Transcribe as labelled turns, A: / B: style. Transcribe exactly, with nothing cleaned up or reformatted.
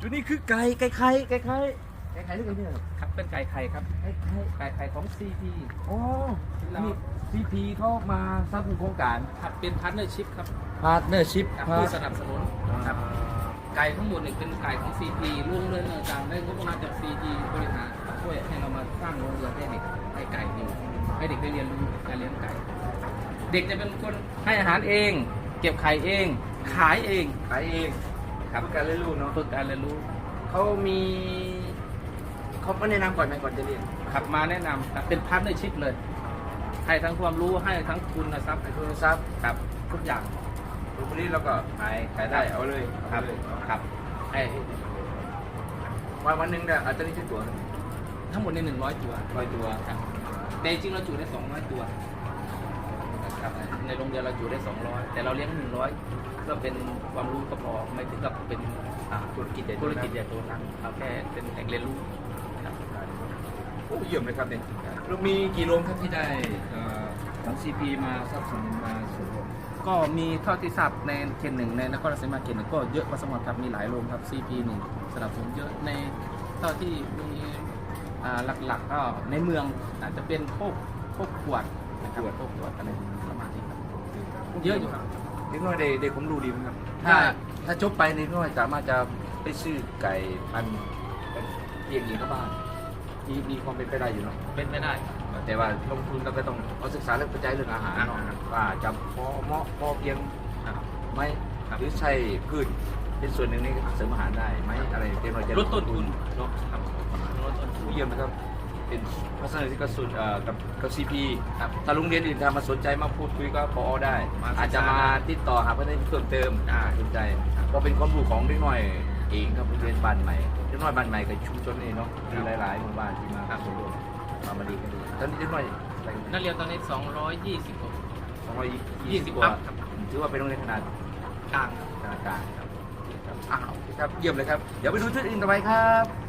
A: ตัวนี้คือไก่ไก่ไข่ไก่ไข่ไก่ไข่หรือไก่เนี่ย
B: ครับเป็นไก่ไข่ครับ
A: ไก่ไข่
B: ไก่ไข่ของ ซี พี
A: อ๋อนี่ซีพีเขามาสนับสนุนโครงการ
B: ครับเป็นพาร์ทเนอร์ชิพครับ
A: พาร์ทเนอร์ชิพ
B: กับผู้สนับสนุนครับไก่ทั้งหมดเนี่ยเป็นไก่ของ ซี พี ร่วมเรื่องต่างๆได้งบประมาณจาก ซี พี บริหารช่วยให้เรามาสร้างโรงเรือนให้เด็กให้ไก่อยู่ให้เด็กได้เรียนรู้การเลี้ยงไก่ เด็กจะเป็นคนให้อาหารเอง เก็บไข่เอง ขายเอง
A: ขายเอง
B: ครับ
A: เพื่อการเรียนรู้เนาะ
B: ฝึกการเรียนรู้
A: เขามีเขาไม่แนะนำก่อนไหมก่อนจะเรียน
B: ขับมาแนะนำครับเป็นพาร์ทเนอร์ชิพเลย ให้ทั้งความรู้ให้ทั้งทุนทรัพย์
A: ไอ้โทรศัพท์
B: ครับทุกอย่าง
A: ตรงนี้เราก็ขายขายได้เอาเลย
B: ครับ
A: เอาเลย
B: ครับให้
A: วันวันหนึ่งเนี่ยอาจจะได้ชิ้นตัว
B: ทั้งหมดในหนึ่งร้อยตัว
A: ร้อยตัว
B: ครับแต่จริงๆเราจุได้สองร้อยตัวครับในโรงเรียนเราจุได้สองร้อยแต่เราเลี้ยงหนึ่งร้อยก็เป็นความรู้ก็พอไม่ถึงกับเป็น
A: อ่าธุรกิจใหญ่
B: ธุรกิจใหญ่โตนักเอาแค่เป็นแหล่งเรียนรู้ครับ
A: โอ้เยี่ยมเลยครับเนี่ยเรามีกี่โรงครับที่ได้เอ่อของซีพีมาสนับสนุนมาส่วนรวม
B: ก็มีเท่าที่ทราบในเขตหนึ่งในนครราชสีมาเขตหนึ่งก็เยอะพอสมควรครับมีหลายโรงครับ ซี พี หนึ่งสนับสนุนเยอะในเท่าที่มีอ่าหลักๆก็ในเมืองอาจจะเป็นพวกพวกขวดนะครับพวกขวดอะไรประมาณนี้ครับเยอะอยู่ครับ
A: เด็กน้อยได้ได้ผมรู้ดีไหมครับ ถ้าถ้าจบไปเด็กน้อยสามารถจะไปซื้อไก่พันธุ์เลี้ยงเองกับบ้านมีมีความเป็นไปได้อยู่เนาะ
B: เป็นไม่ได้
A: แต่ว่าลงทุนเราก็ต้องเอาศึกษาเรื่องปัจจัยเรื่องอาหารเนาะว่าจะพอเหมาะพอเพียงไหมหรือใช่พืชเป็นส่วนหนึ่งในเสริมอาหารได้ไหมอะไรเด็กน้อยจะ
B: ลดต้นทุน
A: เนาะ
B: ครับลดต้นทุน
A: ผู้เยี่ยมนะครับเป็นพัฒนาที่กระสุนเอ่อกับกับซีพี
B: ครับ
A: ถ้าโรงเรียนอื่นทำมาสนใจมาพูดคุยก็พอได้
B: มาศึกษา
A: อาจจะมาติดต่อหาประเด็นเพิ่มเติม
B: ได้
A: สนใจก็เป็นความรู้ของเด็กน้อยเองครับโรงเรียนบ้านใหม่เด็กน้อยบ้านใหม่กับชุมชนนี่เนาะมีหลายๆหมู่บ้านที่มาส่วนร่วมมามาดีกันดีตอนนี้เด็กน้อยอะไร
B: นักเรียนตอนนี้สองร้อยยี่สิบกว่า
A: สองร้อย
B: ยี่
A: ยี่
B: สิ
A: สิ
B: บบ
A: กว่า
B: ครับ
A: ถือว่าเป็นโรงเรียนขนาด
B: กลาง
A: ขนาดกลางครับครับอ้าวครับเยี่ยมเลยครับเดี๋ยวไปดูชุดอื่นต่อไปครับ